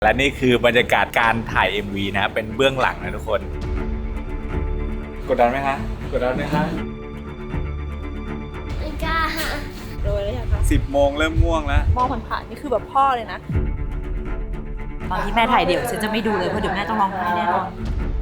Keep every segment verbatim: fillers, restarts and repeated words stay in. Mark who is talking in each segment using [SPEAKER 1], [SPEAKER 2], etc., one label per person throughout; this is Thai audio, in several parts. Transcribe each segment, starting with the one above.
[SPEAKER 1] และนี่คือบรรยากาศการถ่าย เอ็ม วี นะเป็นเบื้องหลังนะทุกคนกดดันไหมคะกดดันไหมคะ
[SPEAKER 2] ไม่กล้า
[SPEAKER 3] โดยแล้วยังคะ
[SPEAKER 1] สิบโมงเริ่มง่วงแล้ว
[SPEAKER 3] มองผ่านๆนี่คือแบบพ่อเลยนะตอนที่แม่ถ่ายเดี่ยวฉันจะไม่ดูเลยเพราะเดี๋ยวแม่ต้องร้องไห้แน่นอน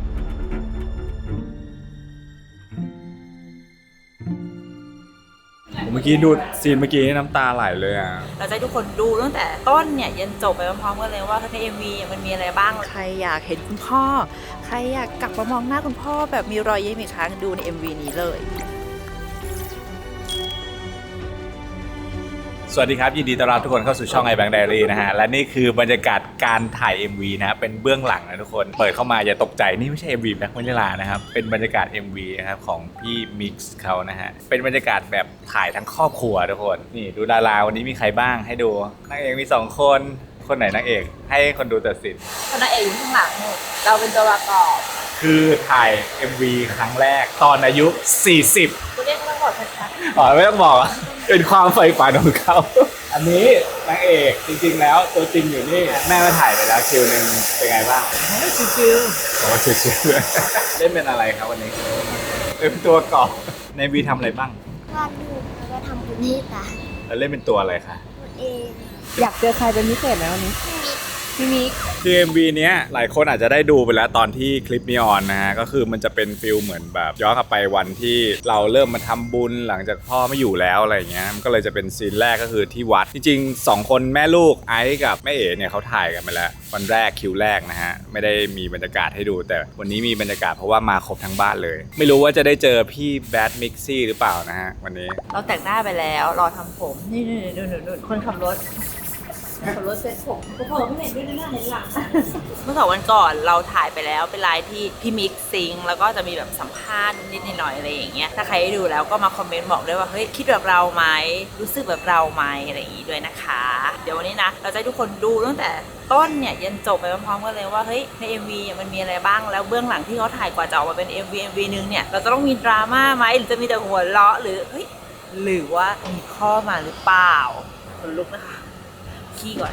[SPEAKER 1] เมื่อกี้ดูซีนเมื่อกี้น้ำตาไหลเลยอ่ะ
[SPEAKER 3] เราจะให้ทุกคนดูตั้งแต่ต้นเนี่ยยันจบไปพร้อมๆกันเลยว่าใน เอ็ม วี มันมีอะไรบ้างใครอยากเห็นคุณพ่อใครอยากกลับมามองหน้าคุณพ่อแบบมีรอยยิ้มอีกครั้งดูใน เอ็ม วี นี้เลย
[SPEAKER 1] สวัสดีครับยินดีต้อนรับทุกคนเข้าสู่ช่อง iBank Diary นะฮะและนี่คือบรรยากาศการถ่าย เอ็ม วี นะเป็นเบื้องหลังนะทุกคนเปิดเข้ามาอย่าตกใจนี่ไม่ใช่ เอ็ม วี แบ็คมิลลานะครับเป็นบรรยากาศ เอ็ม วี นะครับของพี่มิกซ์เขานะฮะเป็นบรรยากาศแบบถ่ายทั้งครอบครัวทุกคนนี่ดูดาราวันนี้มีใครบ้างให้ดูนางเอกมีสองคนคนไหนนางเอกให้คนดูตัดสิน
[SPEAKER 3] นางเอกอยู่ข้างหลังเราเป็นตัวประกอบ
[SPEAKER 1] คือถ่าย เอ็ม วี ครั้งแรกตอนอายุสี่สิบ
[SPEAKER 3] ตัวเลขไม่ต้องบอกชัด
[SPEAKER 1] ๆอ๋อไม่ต้องบอกเป็นความใฝ่ฝันของเขาอันนี้นางเอกจริงๆแล้วตัวจริงอยู่นี่แม่มาถ่ายไปแล้วคิวนึงเป็นไงบ้าง
[SPEAKER 3] ชิว
[SPEAKER 1] ๆโอ้ชิวๆเล่นเป็นอะไรครับวันนี้เป็นตัวกอบในวีทำอะไรบ้าง
[SPEAKER 2] วาดรูปแล้วก็ทำบุญให้ตา
[SPEAKER 1] แล้วเล่นเป็นตัวอะไรคะ
[SPEAKER 2] ตัวเอง
[SPEAKER 3] อยากเจอใครเป็นพิเศษไหมวันนี้พี่มิก
[SPEAKER 1] คือ เอ็ม วี เนี้ยหลายคนอาจจะได้ดูไปแล้วตอนที่คลิปนี้ออนนะฮะก็คือมันจะเป็นฟิลเหมือนแบบย้อนกลับไปวันที่เราเริ่มมาทำบุญหลังจากพ่อไม่อยู่แล้วอะไรเงี้ยมันก็เลยจะเป็นซีนแรกก็คือที่วัดจริงๆสองคนแม่ลูกไอซ์กับแม่เอ๋เนี่ยเขาถ่ายกันไปแล้ววันแรกคิวแรกนะฮะไม่ได้มีบรรยากาศให้ดูแต่วันนี้มีบรรยากาศเพราะว่ามาครบทั้งบ้านเลยไม่รู้ว่าจะได้เจอพี่แบดมิกซี่หรือเปล่านะฮะวันนี้
[SPEAKER 3] เราแต่งหน้าไปแล้วรอทำผมนี่ๆดูๆๆคนขับรถขับรถเซ็ตผมก็พอไม่เห็นด้วยหน้าเห็นหลังเมื่อสองวันก่อนเราถ่ายไปแล้วเป็นไลน์ที่พี่มิกซิงแล้วก็จะมีแบบสัมภาษณ์นิดหน่อยอะไรอย่างเงี้ยถ้าใครได้ดูแล้วก็มาคอมเมนต์บอกด้วยว่าเฮ้ยคิดแบบเราไหมรู้สึกแบบเราไหมอะไรอย่างงี้ด้วยนะคะเดี๋ยววันนี้นะเราจะให้ทุกคนดูตั้งแต่ต้นเนี่ยยันจบไปพร้อมๆกันเลยว่าเฮ้ยใน เอ็ม วี มันมีอะไรบ้างแล้วเบื้องหลังที่เขาถ่ายกว่าจะออกมาเป็น เอ็ม วี เอ็ม วี นึงเนี่ยเราจะต้องมีดราม่าไหมหรือจะมีแต่หัวเราะหรือเฮ้ยหรือว่ามีข้อมาหรือเปล่าคนลุกนะคะขี้ก่อน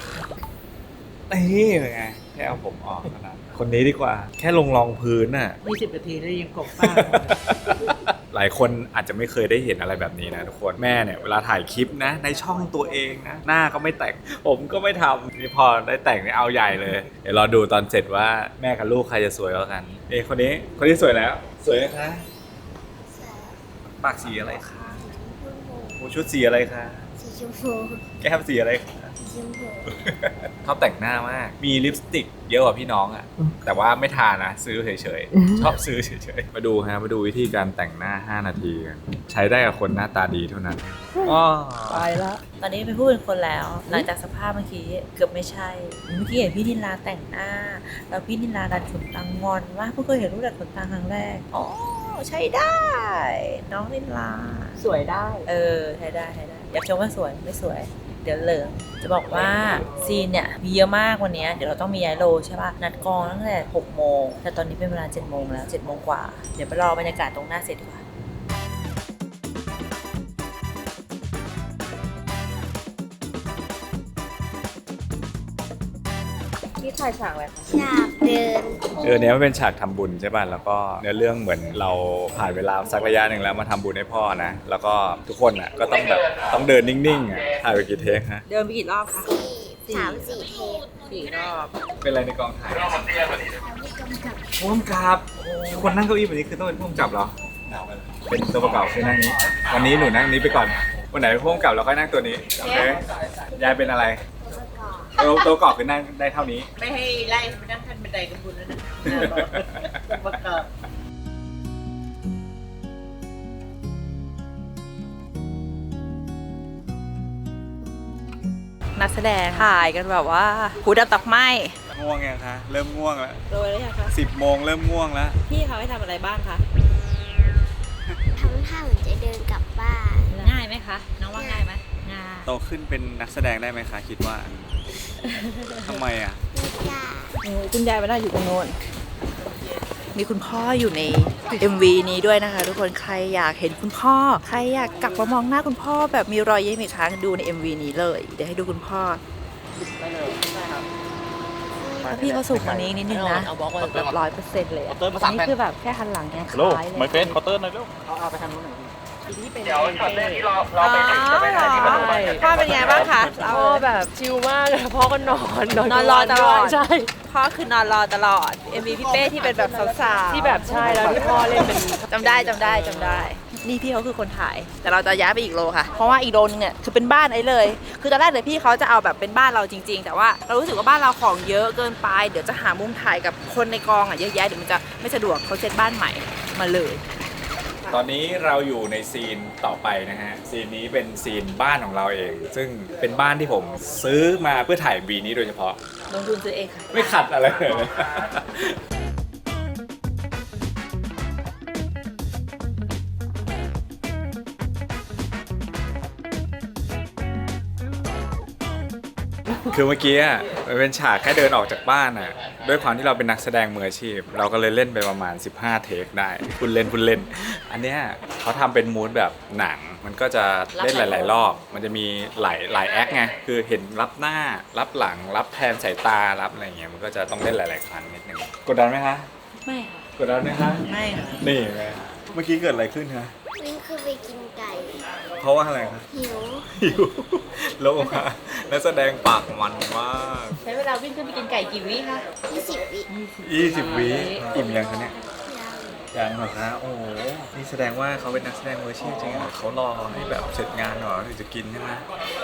[SPEAKER 1] นี่เป็นไงแค่เอาผมออกขนาดคนนี้ดีกว่าแค่ลงรองพื้นน่ะ
[SPEAKER 3] ยี่สิบนาทีแล้วยังกบบ้า
[SPEAKER 1] หลายคนอาจจะไม่เคยได้เห็นอะไรแบบนี้นะทุกคนแม่เนี่ยเวลาถ่ายคลิปนะในช่องตัวเองนะหน้าก็ไม่แต่งผมก็ไม่ทำนี่พอได้แต่งเนี่ยเอาใหญ่เลยเดี๋ยวรอดูตอนเสร็จว่าแม่กับลูกใครจะสวยกว่ากันเอ้คนนี้คนนี้สวยแล้วสวยไหมคะปากสีอะไรคะหูชุดสีอะไรคะ
[SPEAKER 2] สีชมพู
[SPEAKER 1] แก้มสีอะไรคะเขาแต่งหน้ามากมีลิปสติกเยอะกว่าพี่น้องอ่ะแต่ว่าไม่ทานะซื้อเฉยๆชอบซื้อเฉยๆมาดูฮะมาดูวิธีการแต่งหน้าห้านาทีกันใช้ได้กับคนหน้าตาดีเท่านั้นอ๋อ
[SPEAKER 3] ตายแล้วตอนนี้เป็นผู้เป็นคนแล้วหลังจากสภาพเมื่อกี้เกือบไม่ใช่เมื่อกี้เห็นพี่นิลาแต่งหน้าแล้วพี่นิลาดัดขนตางอนว่าเพิ่งเคยเห็นรูปดัดขนตาครั้งแรกอ๋อใช้ได้น้องนิลาสวยได้เออใช้ได้ใช้ได้อยากชมว่าสวยไม่สวยเดี๋ยวเหลืองจะบอกว่าซีนเนี่ยมีเยอะมากวันนี้เดี๋ยวเราต้องมีย้ายโลใช่ป่ะนัดกองตั้งแต่หกโมงแต่ตอนนี้เป็นเวลาเจ็ดโมงแล้วเจ็ดโมงกว่าเดี๋ยวไปรอบรรยากาศตรงหน้าเสร็จดีกว่าที่ถ่ายฉากอะไรคะ
[SPEAKER 2] ฉากเดิน
[SPEAKER 1] เออเนี้ยมันเป็นฉากทำบุญใช่ป่ะแล้วก็เนื้อเรื่องเหมือนเราผ่านเวลาสักระยะหนึ่งแล้วมาทำบุญให้พ่อนะแล้วก็ทุกคนอ่ะก็ต้องแบบต้องเดินนิ่งๆอ่ะถ่ายไปกี่เทคฮะ
[SPEAKER 3] เดินไปกี่รอบคะ
[SPEAKER 2] สามสี่เทค
[SPEAKER 3] สี่รอบ
[SPEAKER 1] เป็นอะไรในกองถ่ายผู้กำกับคนนั่งเก้าอี้แบบนี้คือต้องเป็นผู้กำกับเหรอเป็นตัวประกอบคือนั่งนี้วันนี้หนูนั่งนี้ไปก่อนวันไหนเป็นผู้กำกับเราค่อยนั่งตัวนี้โอเคยายเป็นอะไรตัวตัวกรอบคือนั่งได้เท่านี้
[SPEAKER 3] ไม่ให้ไล่ไปนั่งขั้นบันไดกับคุณแล้วนะประกอบนักแสดงถ่ายกันแบบว่าหูดับตักไหม
[SPEAKER 1] ง่วงยังคะเริ่มง่วงแล้ว
[SPEAKER 3] โดยแล้วยังคะ
[SPEAKER 1] สิบโมงเริ่มง่วงแล้ว
[SPEAKER 3] พี่เขาให้ทำอะไรบ้างคะ
[SPEAKER 2] ทำท่าเหมือนจะเดินกลับบ้าน
[SPEAKER 3] ง่ายไหมคะน้องว่าง่ายไหมง่าย
[SPEAKER 1] โตขึ้นเป็นนักแสดงได้ไหมคะคิดว่าทำไมอ่ะ
[SPEAKER 3] คุณยายมาได้อยู่ตรงโน้นมีคุณพ่ออยู่ใน เอ็ม วี นี้ด้วยนะคะทุกคนใครอยากเห็นคุณพ่อใครอยากกลับมามองหน้าคุณพ่อแบบมีรอยยิ้มอีกครั้งดูใน เอ็ม วี นี้เลยเดี๋ยวให้ดูคุณพ่อได้เลยได้ครับพี่เขาสูงกว่านี้นิดนึงนะแบบร้อยเปอร์เซ็นต์เลยอะอันนี้คือแบบแค่หันหลังยังค
[SPEAKER 4] โล
[SPEAKER 3] ล้ายเลย
[SPEAKER 4] ไม่เฟนเคาน์เตอร์หน่อยลูก
[SPEAKER 3] เอาไปทางนู้นหน่อยพี่
[SPEAKER 4] เดี๋ยวช็อตแรกที่เราเราไปถึงจะไปถ่ายที่ประตูบ้าน
[SPEAKER 3] พ่อเป็นไงบ้างคะ
[SPEAKER 5] พ่อแบบชิลมากเลยพ่อก็นอนนอน
[SPEAKER 3] นอนรอตลอด
[SPEAKER 5] ใช่
[SPEAKER 3] พ่อคือนอนรอตลอด เอ็ม วี พี่เป้ที่เป็นแบบสาวๆ
[SPEAKER 5] ที่แบบใช่แล้วที่พ่อเล่นเป็น
[SPEAKER 3] จำได้จำได้จำได้ นี่พี่เขาคือคนถ่าย แต่เราจะย้ายไปอีกโลค่ะ เพราะว่าอีกโลนึงเนี่ยคือเป็นบ้านไอ้เลย คือตอนแรกเลยพี่เขาจะเอาแบบเป็นบ้านเราจริง ๆ แต่ว่าเรารู้สึกว่าบ้านเราของเยอะเกินไป เดี๋ยวจะหามุมถ่ายกับคนในกองอ่ะเยอะแยะเดี๋ยวมันจะไม่สะดวกเขาเซ็ตบ้านใหม่มาเลย
[SPEAKER 1] ตอนนี้เราอยู่ในซีนต่อไปนะฮะ ซีนนี้เป็นซีนบ้านของเราเอง ซึ่งเป็นบ้านที่ผมซื้อมาเพื่อถ่ายวีนี้โดยเฉพาะ
[SPEAKER 3] ลงทุนซื้อเองค่ะ
[SPEAKER 1] ไม่ขัดอะไรเลย คือเมื่อกี้อ่ะมันเป็นฉากแค่เดินออกจากบ้านอ่ะด้วยความที่เราเป็นนักแสดงมืออาชีพ เราก็เลยเล่นไปประมาณสิบห้าเทคได้คุณเล่นคุณเล่น อันเนี้ยเขาทำเป็นมูดแบบหนัง มันก็จะเล่นหลาย ๆ รอบ มันจะมีหลายหลายแอคไงคือเห็นรับหน้ารับหลังรับแทนสายตารับอะไรเงี้ยมันก็จะต้องเล่นหลาย ๆ ครั้งนิดนึงกดดันไหมคะ
[SPEAKER 3] ไม่ค่ะ
[SPEAKER 1] กดดันไหมคะ
[SPEAKER 3] ไม่ค่ะ
[SPEAKER 1] นี่ไงเมื่อกี้เกิดอะไรขึ้นคะ
[SPEAKER 2] วิ่งขึ้นไปกินไก่
[SPEAKER 1] เพราะว่าอะไรคะ
[SPEAKER 2] หิว
[SPEAKER 1] หิวลงมานักแสดงปากมันมาก
[SPEAKER 3] ใช้เวลาวิ่งขึ้นไปกินไก่กี่วิคะ
[SPEAKER 2] ยี่สิบวิ
[SPEAKER 1] ยี่สิบวิอิ่มยังคะเนี่ย
[SPEAKER 2] ยัง
[SPEAKER 1] ยังเหรอคะโอ้โหนี่แสดงว่าเขาเป็นนักแสดงมืออาชีพจริงเหรอเขารอให้แบบเสร็จงานหน่อยถึงจะกินใช่ไหม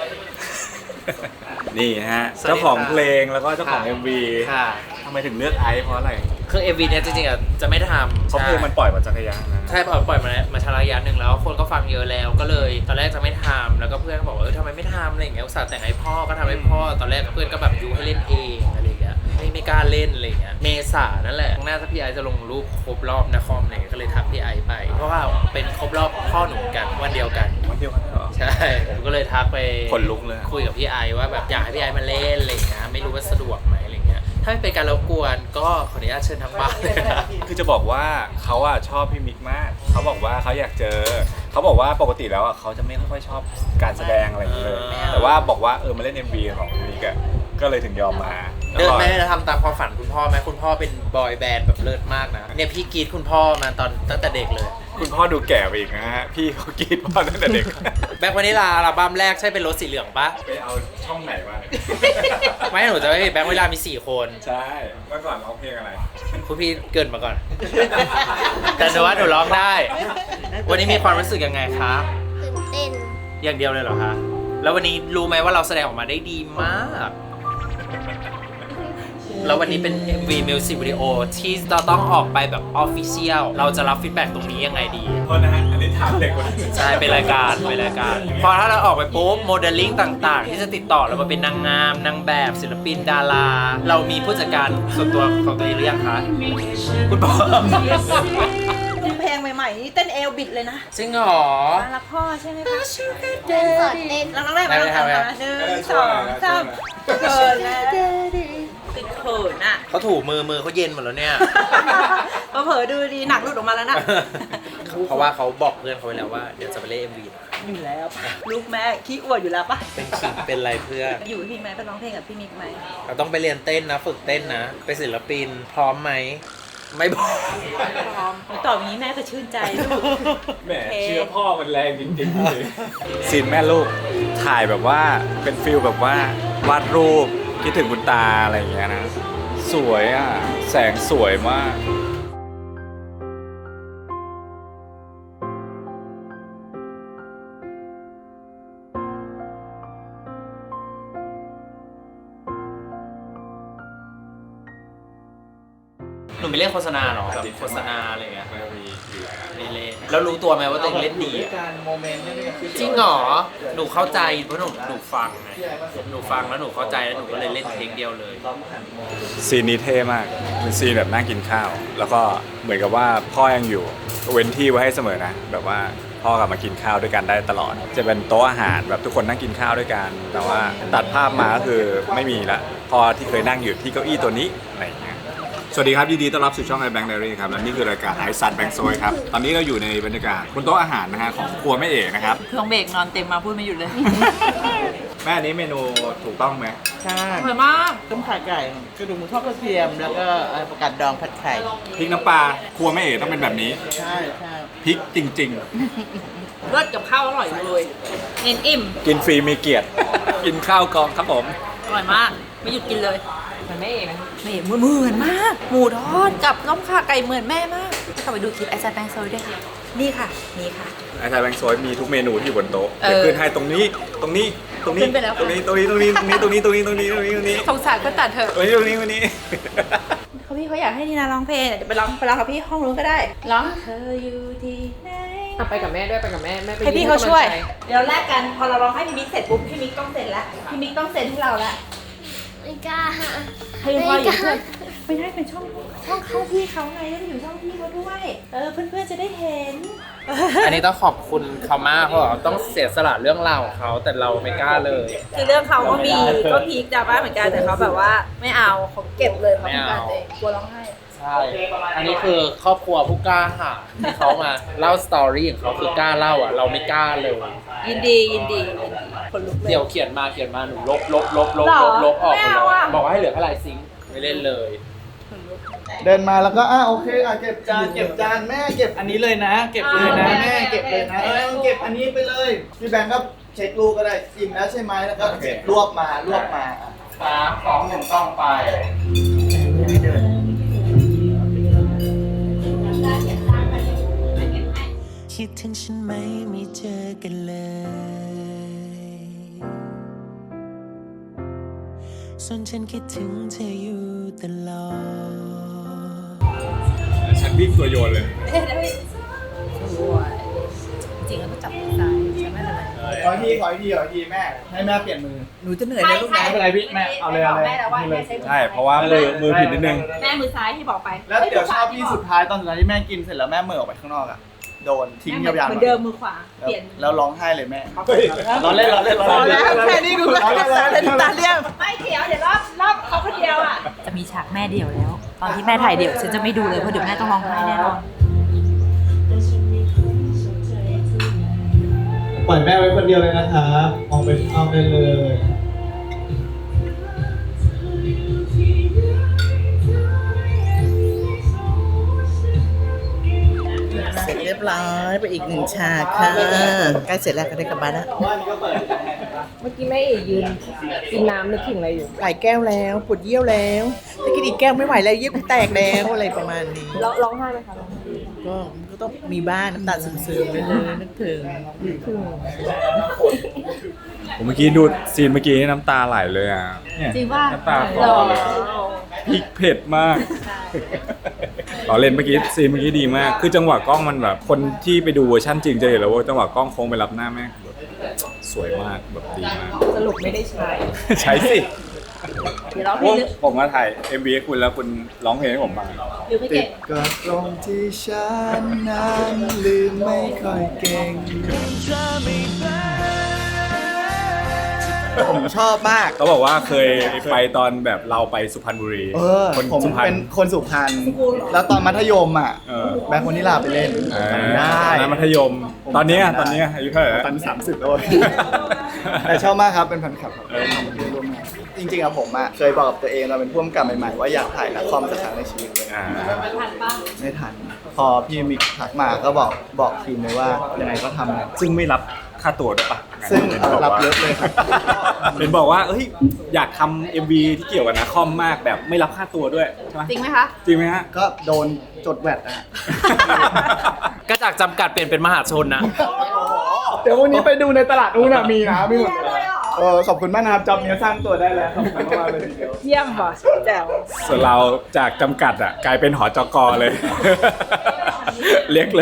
[SPEAKER 1] นี่ฮะเจ้าของเพลงแล้วก็เจ้าของ เอ็ม วี
[SPEAKER 6] ค่ะ
[SPEAKER 1] ทำไมถึงเลือกไอซ์เพราะอะไร
[SPEAKER 6] คือ เอ็ม วี เนี่ยจริงๆอ่ะจะไม่ทำ
[SPEAKER 1] เพราะเพลงมันปล่อยมาจักรยานนะ
[SPEAKER 6] ใช่ปล่อยปล่อยมามาชาระยะหนึ่งแล้วคนก็ฟังเยอะแล้วก็เลยตอนแรกจะไม่ทำแล้วก็เพื่อนก็บอกว่าเออทำไมไม่ทำอะไรอย่างเงี้ยอุตส่าห์แต่งให้พ่อก็ทำให้พ่อตอนแรกเพื่อนก็แบบยูให้เล่นเองอะไรอย่างเงี้ยไม่ไม่กล้าเล่นอะไรอย่างเงี้ยเมษานั่นแหละข้างหน้าถ้าพี่ไอซ์จะลงรูปครบรอบนครอะไรอย่างเงี้ยก็เลยทักพี่ไอซ์ไป เพราะว่าเป็นครบรอบพ่อหนุ่มกันวันเดียวกัน
[SPEAKER 1] วันเดียวกันเหรอ
[SPEAKER 6] ใช่ผมก็เลยทักไป
[SPEAKER 1] ขนลุกเลย
[SPEAKER 6] คุยกับพี่ไอซ์ว่าแบบอยากให้พี่ไอซ์มาเล่นอะไรอย่างเงี้ยไม่รู้ว่าสะดวกไหมอะไรอย่างเงี้ยถ้าไม่เป็นการรบกวนก็ขออนุญาตเชิญทางบ้านเลยนะ
[SPEAKER 1] คือจะบอกว่าเขาอะชอบพี่มิกมาก เขาบอกว่าเขาอยากเจอ เขาบอกว่าปกติแล้วอะเขาจะไม่ค่อยชอบการแสดงอะไรอย่างเงี้ยเลย แต่ว่าบอกว่าเออมาเล่น เอ็ม วี ของพี่มิกอะก็เลยถึงยอมมา
[SPEAKER 6] เดินไม่ได้ทำตามความฝันคุณพ่อไหมคุณพ่อเป็นบอยแบนด์แบบเลิศมากนะเนี่ยพี่กรีดคุณพ่อมาตอนตั้งแต่เด็กเลย
[SPEAKER 1] คุณพ่อดูแก่ไปอีกนะฮะ พี่เขากรีดพ่อตั้งแต่เด็ก
[SPEAKER 6] แบ็ควานิลาอัลบั้มแรกใช่เป็นรถสีเหลืองปะ
[SPEAKER 1] ไปเอาช่องไหนมาเนี่ย
[SPEAKER 6] ไม่หนูจะไม่แบ็ควานิลามีสี่คน
[SPEAKER 1] ใช่ เมื่อก่อนร้องเพลงอะไร
[SPEAKER 6] คุณพี่เกรินมาก่อน แต่หนูว่าหนูร้องได้ วันนี้มีความรู้สึกยังไงคะ
[SPEAKER 2] ตื่นเต้น
[SPEAKER 6] อย่างเดียวเลยเหรอคะแล้ววันนี้รู้ไหมว่าเราแสดงออกมาได้ดีมาก แล้ววันนี้เป็น เอ็ม วี Music Video ที่เราต้องออกไปแบบ Official เราจะรับฟีดแบ็กตรงนี้ยังไงดี
[SPEAKER 1] โทษนะฮะ อันนี้ถามเด็กคนนึง
[SPEAKER 6] ใช่ เป็นรายการ เป็นรายการ พอถ้าเราออกไปปุ๊บ โมเดลลิ่งต่างๆ ที่จะติดต่อเรามาเป็นนางงาม นางแบบ ศิลปิน ดารา เรามีผู้จัดการส่วนตัวของตัวเองหรือยังคะ คุณพ่อ
[SPEAKER 3] เพลงใหม่ๆนี่เต้นเอวบิดเลยนะ
[SPEAKER 6] จริงเหรอ
[SPEAKER 3] มารักพ่อใช่ไหมคะ
[SPEAKER 2] เต้นสดเต้น
[SPEAKER 3] เราต้องแรกมาทำมาหนึ่งสองสามเขินแล้วติดเขินอ่ะ
[SPEAKER 6] เขาถูมือมือเขาเย็นหมดแล้วเนี่ย
[SPEAKER 3] เผลอๆดูดีหนักหลุดออกมาแล้วนะ
[SPEAKER 6] เพราะว่าเขาบอกเพื่อนเขาไว้แล้วว่าเดี๋ยวจะไปเล่น เอ็ม วี
[SPEAKER 3] อยู่แล้วปะลูกแม่ขี้อวดอยู่แล้วปะ
[SPEAKER 6] เป็นขิงเป็นอะไรเพื่อน
[SPEAKER 3] อยู่ที่ไหมไปร้องเพลงกับพี่มิกไหม
[SPEAKER 6] เราต้องไปเรียนเต้นนะ ฝึกเต้นนะ ไปศิลปินพร้อมไหม ไม่บอก
[SPEAKER 3] พร้อมตอบอย่างนี้แม่ก็ชื่นใจลูก
[SPEAKER 1] แหมเชื้อพ่อมันแรงจริงๆเลยซีนแม่ลูกถ่ายแบบว่าเป็นฟิลแบบว่าวาดรูปคิดถึงคุณตาอะไรอย่างเงี้ยนะ สวยอ่ะ แสงสวยมาก
[SPEAKER 6] หนูไม่เล่นโฆษณาหรอแบบโฆษณาอะไรเงี้ย
[SPEAKER 1] ไม่มีอยู่แล้ว
[SPEAKER 6] ไม่เล่นแล้วรู้ตัวไหมว่าตัวเองเล่นดีอะ
[SPEAKER 4] การโมเมนต์นี่
[SPEAKER 6] จริงเหรอ หนูเข้าใจเพราะหนูหนูฟังไงหนูฟังแล้วหนูเข้าใจแล้วหนูก็เลยเล่นเพลงเดียวเลย
[SPEAKER 1] ซีนนี้เท่มาก เป็นซีนแบบนั่งกินข้าว แล้วก็เหมือนกับว่าพ่อยังอยู่ก็เว้นที่ไว้ให้เสมอนะ แบบว่าพ่อกลับมากินข้าวด้วยกันได้ตลอด จะเป็นโต๊ะอาหารแบบทุกคนนั่งกินข้าวด้วยกัน แต่ว่าตัดภาพมาก็คือไม่มีละพ่อที่เคยนั่งอยู่ที่เก้าอี้ตัวนี้อะไรอย่างเงี้ย สวัสดีครับยินดีต้อนรับสู่ช่อง iBank Diary ครับ และนี่คือรายการไอซันแบงค์โซยครับ ตอนนี้เราอยู่ในบรรยากาศบนโต๊ะอาหารนะฮะของครัวแม่เอกนะครับ
[SPEAKER 3] เครื่องเบรกนอนเต็มมาพูดไม่หยุดเลย
[SPEAKER 1] แม่อันนี้เมนูถูกต้องไหม
[SPEAKER 3] ใช่อร่อยมากต้มข่ไก่กระดูกหมูทอดกระเทียมแล้วก็เอ่อประกาศดองผัดไข่
[SPEAKER 1] พริกน้ำปลาครัวแม่เอ๋ต้องเป็นแบบนี้
[SPEAKER 3] ใช่ใช่
[SPEAKER 1] พริกจริง
[SPEAKER 3] เลิศกับข้าวอร่อยเลยเน้นอิ่ม
[SPEAKER 1] ๆ กินฟรีมีเกียรติ กินข้าวกองครับผม
[SPEAKER 3] อร่อยมากไม่หยุดกินเลยเหมือนแม่เอ๋ไหมไม่เหมือนเหมือนมาก หมูทอดกับต้มข่าไก่เหมือนแม่มากเข้าไปดูคลิปไอซ์แบงค์โซยด้วยค่ะนี่ค่ะนี่ค่ะ
[SPEAKER 1] ไอ้ชายแบงค์โซยมีทุกเมนูที่อยู่บนโต๊ะ
[SPEAKER 3] เออ
[SPEAKER 1] เดี๋ยวขึ้นให้ตรงนี้ตรงนี้ตรงนี้
[SPEAKER 3] ขึ้นไปแล้ว
[SPEAKER 1] ตรงนี้ตรงนี้ตรงนี้ตรงนี้ตรงนี้ตรงนี้ตรงนี้ตรงนี้ตรงนี้
[SPEAKER 3] สงสารก็ตัดเถอะ
[SPEAKER 1] ตรงนี้ตรงนี้ตรงนี้
[SPEAKER 3] เขาพี่เขาอยากให้นีนาร้องเพลงเดี๋ยวไปร้องไปร้องกับพี่ห้องนู้นก็ได้ร้องเธออยู่ที่ไหน
[SPEAKER 5] อ่ะไปกับแม่ด้วยไปกับแม่แม่ไป
[SPEAKER 3] ให้พี่
[SPEAKER 5] ยืน
[SPEAKER 3] เขาช่วย
[SPEAKER 5] กำลังใจ
[SPEAKER 3] เดี๋ยวแลกกันพอเราร้องให้พี่มิกเสร็จปุ๊บพี่มิกต้องเซ็นละพี่มิกต้องเซ็นให้เราละ
[SPEAKER 2] ไม่กล้า
[SPEAKER 3] ให้พ่ออยู่เพื่อนไม่ได้เป็นช่องช่องเข้าพี่เขาไงแล้วอยู่ช่องพี่เขาด้วยเออเพื่อนๆจะได้เห็น
[SPEAKER 6] อันนี้ต้องขอบคุณเขามากเพราะว่าต้องเสียสละเรื่องราวของเขาแต่เราไม่กล้าเลย
[SPEAKER 3] คือเรื่องเขาก็มีก็พีคดราม่าเหมือนกันแต่เขาแบบว่าไม่เอาเขาเก็บเลยเขา
[SPEAKER 6] ไม่
[SPEAKER 3] ป้อง
[SPEAKER 6] เอา
[SPEAKER 3] กันตัวเองกลัวร้องไห้
[SPEAKER 6] ใช่ อันนี้คือครอบครัวผู้กล้าหาญที่เขามาเล่าสตอรี่ของเขาคือกล้าเล่าอ่ะ เราไม่กล้าเลย
[SPEAKER 3] ยินดียินดียินดีคนลุกเลย
[SPEAKER 6] เดี๋ยวเขียนมาเขียนมาหนูลบลบลบลบ
[SPEAKER 3] หรอ
[SPEAKER 6] ลบลบออก
[SPEAKER 3] ไม่
[SPEAKER 6] หมด
[SPEAKER 3] เอา
[SPEAKER 6] เลย
[SPEAKER 3] อะ
[SPEAKER 6] บอกว่าให้เหลือแค่ลายซิงค์ไม่เล่นเลย
[SPEAKER 7] เดินมาแล้วก็อ่ะโอเคอ่ะเก็บจานเก็บจานแม่เก็บอันนี้เลยนะ เก็บเลยนะแม่เก็บเลยนะเออเก็บอันนี้ไปเลยพี่แบงค์ก็เช็คลูกก็ได้อิ่มแล้วใช่ไหมแล้วก็รวบมารวบมาอ่ะ
[SPEAKER 6] สามสองหนึ่งต้องไป
[SPEAKER 8] คิดถึงฉันไหมไม่เจอกันเลยส่วนฉันคิดถึงเธออยู่ตลอด
[SPEAKER 1] ฉันวิ่งตัวโยนเลย
[SPEAKER 3] จริงแล้วก็จับซ้ายใช่ไหมอะไร
[SPEAKER 7] ขออีกทีขออีกทีขออีกทีแม่ให้แม่เปลี่ยนมือ
[SPEAKER 3] หนูจะเหนื่อยนะลูกนะ
[SPEAKER 7] ไม่เป็นไรพี่แม่เอาเลยเอาเลย
[SPEAKER 3] แม่แล้วว่าแม่ใช้มือ
[SPEAKER 1] ใช่ เพราะว่ามือมือผิดนิดนึง
[SPEAKER 3] แม่มือซ้ายที่บอกไป
[SPEAKER 7] แล้วเดี๋ยวชอบพี่สุดท้ายตอนสุดท้ายที่แม่กินเสร็จแล้วแม่เหม่อออกไปข้างนอกอ่ะโดนทิ้งยาวๆ
[SPEAKER 3] เหมือนเดิมมือขวาเปลี่ยน
[SPEAKER 7] แล้วร้องไห้เลยแม่ร้องเล่นร้องเล่นร้องเล่น
[SPEAKER 3] แค่นี้ดู
[SPEAKER 7] ร้องเล่นร้องเล่น
[SPEAKER 3] ตาเลี่ยมไม่เดี๋ยวเดี๋ยวรอบรอบเขาคนเดียวอ่ะจะมีฉากแม่เดี่ยวแล้ว ตอนที่แม่ถ่ายเดี่ยวฉันจะไม่ดูเลยเพราะเดี๋ยวแม่ต้องร้องไห้แน่นอน
[SPEAKER 7] ปล่อยแม่ไว้คนเดียวเลยนะครับออกไปเอาไปเลย
[SPEAKER 3] เสร็จเรียบร้อยไปอีกหนึ่งฉากค่ะใกล้เสร็จแล้วก็ได้กลับบ้านแล้ว
[SPEAKER 5] เมื่อกี้แม่เอ๋ยืนกินน้ำนึกถึงอะไรอยู่
[SPEAKER 3] หลายแก้วแล้วปวดเยี่ยวแล้วถ้ากินอีกแก้วไม่ไหวแล้วเยี่ยวกูแตกแล้วอะไรประมาณนี้
[SPEAKER 5] ร้องร้องไห้ไหมคะร้องไห้
[SPEAKER 3] ก็มันก็ต้องมีบ้านน้ำตาซึมๆไปเลยนึกถึง
[SPEAKER 1] ผมเมื่อกี้ดูซีนเมื่อกี้น้ำตาไหลเลยอ่ะเนี่ย
[SPEAKER 3] จริงป่ะ
[SPEAKER 1] น้ำตาคลอเลยพริกเผ็ดมากเราเล่นเมื่อกี้ซีนเมื่อกี้ดีมาก คือจังหวะกล้องมันแบบคนที่ไปดูเวอร์ชั่นจริงจะเห็นแล้วว่าจังหวะกล้องโค้งไปรับหน้าแม่แบบสวยมากแบบดีมาก
[SPEAKER 5] สรุปไม่ได้ใช้
[SPEAKER 1] ใช่สิ
[SPEAKER 3] เดี๋ยวร้องเพล
[SPEAKER 1] โอ้
[SPEAKER 3] งนึก
[SPEAKER 1] ผมมาถ่าย เอ็ม วี ให้คุณแล้วคุณร้องเพลงให้ผมฟัง
[SPEAKER 3] หรือไม่
[SPEAKER 7] ติ
[SPEAKER 3] เก่
[SPEAKER 7] ด
[SPEAKER 3] ง
[SPEAKER 7] ก็ตรงที่ฉันนั้นลืมไม่ค่อยเก่งผมชอบมาก
[SPEAKER 1] เขาบอกว่าเคยไปตอนแบบเราไปสุพรรณบุรี
[SPEAKER 7] เออ
[SPEAKER 1] คน
[SPEAKER 7] ผม
[SPEAKER 1] สุพรรณ
[SPEAKER 7] เป็นคนสุพรรณแล้วตอนมัธยมอ่ะ
[SPEAKER 1] เออ
[SPEAKER 7] แบงค์คนนิลาไปเล่น
[SPEAKER 1] อ่า
[SPEAKER 7] จำได้
[SPEAKER 1] ตอนนั้นมัธยม ตอนเนี้ยตอนเนี้ยอายุเท่าไหร่แล้ว
[SPEAKER 7] ตอนสามสิบแล้วแต่ชอบมากครับเป็นแฟนคลับครับร่วมงานจริงๆอะผมอะเคยบอกกับตัวเองเราเป็นผู้กำกับใหม่ๆว่าอยากถ่ายละครสักครั้งในชีวิตเลย
[SPEAKER 1] อ่า
[SPEAKER 7] ไม่ทัน พอพี่มิกทักมาก็บอกบอกทีมเลยว่ายังไงก็ทำนะ
[SPEAKER 1] ซึ่งไม่รับค่าตัวด้วยปะ
[SPEAKER 7] ซึ่ง
[SPEAKER 1] ห็นบอก
[SPEAKER 7] รับ
[SPEAKER 1] ว่า
[SPEAKER 7] เยอะเลยครับ
[SPEAKER 1] เป็นบอกว่าเอ้ยอยากทำ เอ็ม วี ที่เกี่ยวกับนาคอมมากแบบไม่รับค่าตัวด้วยใช่ไหม
[SPEAKER 3] จริงไหมคะ
[SPEAKER 1] จริงไหมฮะ
[SPEAKER 7] ก็โดนจดแวดนะฮะ
[SPEAKER 6] ก็จากจำกัดเปลี่ยนเป็นมหาชนนะ
[SPEAKER 7] เดี๋ยววันนี้ไปดูในตลาดนู้นอะมีนะมีหมดเลยเออขอบคุณมากนะครับจอบนี้สร้างตัวได้แล้วขอบคุณมากเลยทีเดียว
[SPEAKER 5] เยี่ยมว่ะแจ๋ว
[SPEAKER 1] ส่วนเราจากจำกัดอ่ะกลายเป็นหอจกเลย เล็กเลย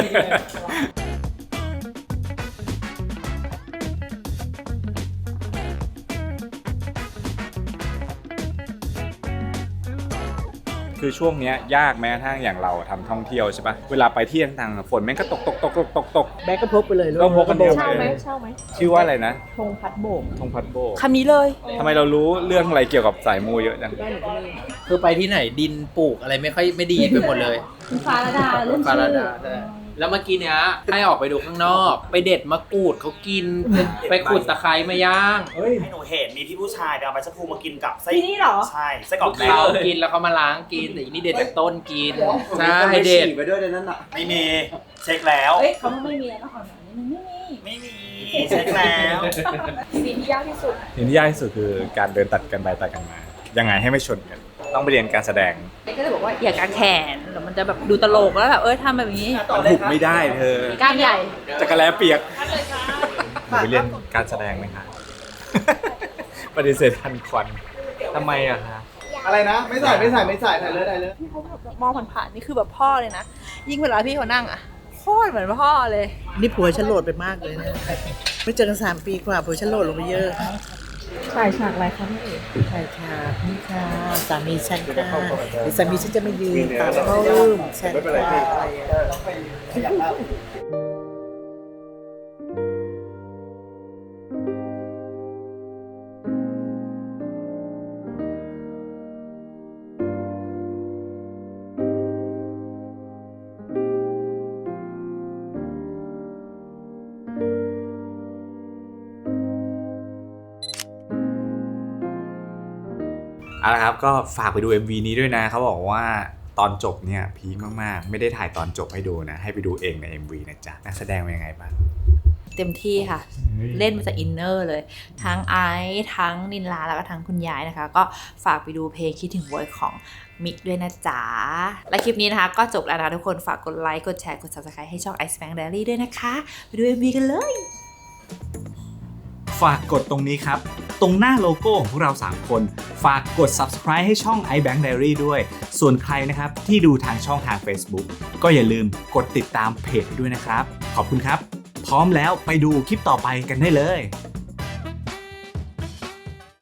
[SPEAKER 1] คือช่วงเนี้ยยากแม้ทั้งอย่างเราทำท่องเที่ยวใช่ปะเวลาไปที่ต่างๆฝนแม่งก็ตกตกตกตกตกตก
[SPEAKER 3] แบกก็พกไปเลยลูก
[SPEAKER 1] ก็พกกันเดียว
[SPEAKER 5] เช่าไหม
[SPEAKER 1] เลย
[SPEAKER 5] เช่าไหม
[SPEAKER 1] ชื่อว่าอะไรนะ
[SPEAKER 5] ธงพัดโบก
[SPEAKER 1] ธงพัดโบก
[SPEAKER 3] คำนี้เลย
[SPEAKER 1] ทำไมเรารู้เรื่องอะไรเกี่ยวกับสายมูเยอะจัง
[SPEAKER 5] ได้หนูก็มี
[SPEAKER 6] คือไปที่ไหนดินปลูกอะไรไม่ค่อยไม่ดีไปหมดเลย
[SPEAKER 5] คุณฟ้าระดาเรื่อง
[SPEAKER 6] ฟา
[SPEAKER 5] ชื่
[SPEAKER 6] รา
[SPEAKER 5] อ
[SPEAKER 6] ดาใช่แล้วเมื่อกี้เนี้ยให้ออกไปดูข้างนอก ไปเด็ดมะกรูดเขากิน ไปขุดตะไคร้มาย่าง
[SPEAKER 9] ให้หนูเห็นมีพี่ผู้ชายไปเอาใบชะพูมากินกับไส้
[SPEAKER 5] ที่นี่เหรอ
[SPEAKER 9] ใช่ไส้กรอกแดง
[SPEAKER 6] เขากินแล้วเขามาล้างกินแต่อีนี่เด็ดจากต้นกินใช่เด็ด
[SPEAKER 7] ไปด้วยในนั้นอ่ะ
[SPEAKER 9] ไม่มีเช็คแล้ว
[SPEAKER 5] เอ้ยเขาไม่มีแล้วนครสวรรค์นี่มันไม่มี
[SPEAKER 9] ไม่มีเช็คแล้ว
[SPEAKER 5] ซีนที่ยากที่สุด
[SPEAKER 1] สิ่งที่ยากที่สุดคือการเดินตัดกันไปตัดกันมา ยังไงให้ไม่ชนกัน ต้องไปเรียนการแสดง
[SPEAKER 3] เด็กก็เลยบอกว่าอย่ากางแขนเดี๋ยวมันจะแบบดูตลกแล้วแบบเอ้ยทำแบบนี้
[SPEAKER 1] มันหุบไม่ได้เธอ
[SPEAKER 3] กล้ามใหญ่
[SPEAKER 1] จะกระแลเปียกหนูไปเรียนการแสดงไหมคะ ปฏิเสธทันควันทำไมอะคะ
[SPEAKER 7] อะไรนะ ไม่ใส่ไม่ใส่ไม่ใส่ถ่ายเลยถ่ายเลย
[SPEAKER 3] พี่เขาแบบมองผ่านๆนี่คือแบบพ่อเลยนะ ยิ่งเวลาพี่เขานั่งอ่ะโคตรเหมือนพ่อเลย
[SPEAKER 10] นี่ผัวฉันโหลดไปมากเลยนะ ไม่เจอกันสามปีกว่าผัวฉันโหลดลงไปเยอะ
[SPEAKER 5] ถ่ายฉากอะไรคะพี่เอ๋
[SPEAKER 10] ใช่ค่ะนี่ค่ะสามีฉันค่ะเดี๋ยวสามีฉันจะมายืนตามเข้ารูมฉัน
[SPEAKER 7] ไม่เป็นไรพี่
[SPEAKER 10] ค่ะ
[SPEAKER 7] ต้องไปขยับแล้ว
[SPEAKER 1] เอาละครับก็ฝากไปดู เอ็ม วี นี้ด้วยนะเขาบอกว่าตอนจบเนี่ยพีคมากๆไม่ได้ถ่ายตอนจบให้ดูนะให้ไปดูเองใน เอ็ม วี นะจ๊ะนักแสดงเป็นยังไงบ้าง
[SPEAKER 3] เต็มที่ค่ะ เล่นมาจากอินเนอร์เลย ทั้งไอซ์ทั้งนินลาแล้วก็ทั้งคุณยายนะคะ ก็ฝากไปดูเพลงคิดถึงโวยของมิกด้วยนะจ๊ะ และคลิปนี้นะคะก็จบแล้วนะทุกคนฝากกดไลค์กดแชร์กด ซับสไครบ์ ให้ช่อง Ice Bank Diary ด้วยนะคะ ไปดู เอ็ม วี กันเลย
[SPEAKER 11] ฝากกดตรงนี้ครับ ตรงหน้าโลโก้ของพวกเราสามคน ฝากกด ซับสไครบ์ ให้ช่อง iBank Diary ด้วย ส่วนใครนะครับที่ดูทางช่องทาง Facebook ก็อย่าลืมกดติดตามเพจด้วยนะครับ ขอบคุณครับ พร้อมแล้วไปดูคลิปต่อไปกันได้เลย